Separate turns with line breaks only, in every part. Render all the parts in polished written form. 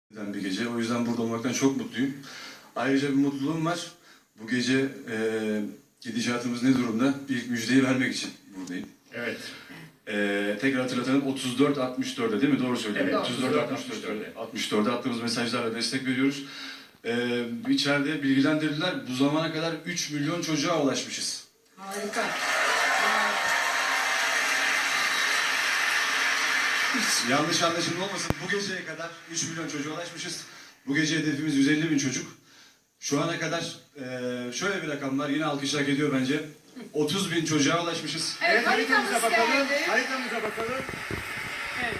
Bir gece. O yüzden burada olmaktan çok mutluyum. Ayrıca bir mutluluğum var. Bu gece gidişatımız ne durumda? Bir müjdeyi vermek için buradayım.
Evet.
Tekrar hatırlatalım. 34-64'e değil mi? Doğru söylüyorum.
Evet,
34-64'e. 64'e attığımız mesajlarla destek veriyoruz. İçeride bilgilendirdiler. Bu zamana kadar 3 milyon çocuğa ulaşmışız.
Harika.
Yanlış anlaşılma olmasın. Bu geceye kadar 3 milyon çocuğa ulaşmışız. Bu gece hedefimiz 150 bin çocuk. Şu ana kadar şöyle bir rakam var. Yine alkış hak ediyor bence. 30 bin çocuğa ulaşmışız.
Evet, haritamız
bakalım.
geldi.
Haritamıza bakalım.
Evet.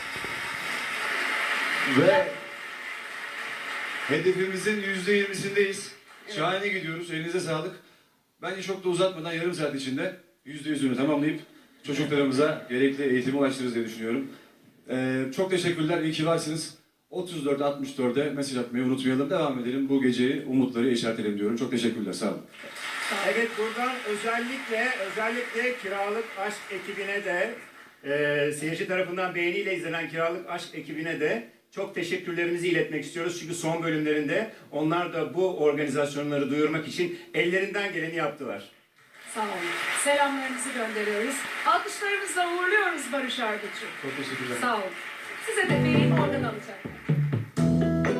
Ve hedefimizin %20'sindeyiz. Şahane gidiyoruz. Elinize sağlık. Bence çok da uzatmadan yarım saat içinde %100'ünü tamamlayıp çocuklarımıza gerekli eğitimi ulaştırırız diye düşünüyorum. Çok teşekkürler. İyi ki varsınız. 34-64'e mesaj atmayı unutmayalım. Devam edelim. Bu geceyi umutları işaretleyelim diyorum. Çok teşekkürler. Sağ olun.
Evet, buradan özellikle Kiralık Aşk ekibine de seyirci tarafından beğeniyle izlenen Kiralık Aşk ekibine de çok teşekkürlerimizi iletmek istiyoruz. Çünkü son bölümlerinde onlar da bu organizasyonları duyurmak için ellerinden geleni yaptılar.
Sağ olun. Selamlarınızı gönderiyoruz. Alkışlarımızla uğurluyoruz Barış Arduç'u.
Çok teşekkürler.
Sağ olun. Size de vereyim, oradan alacak.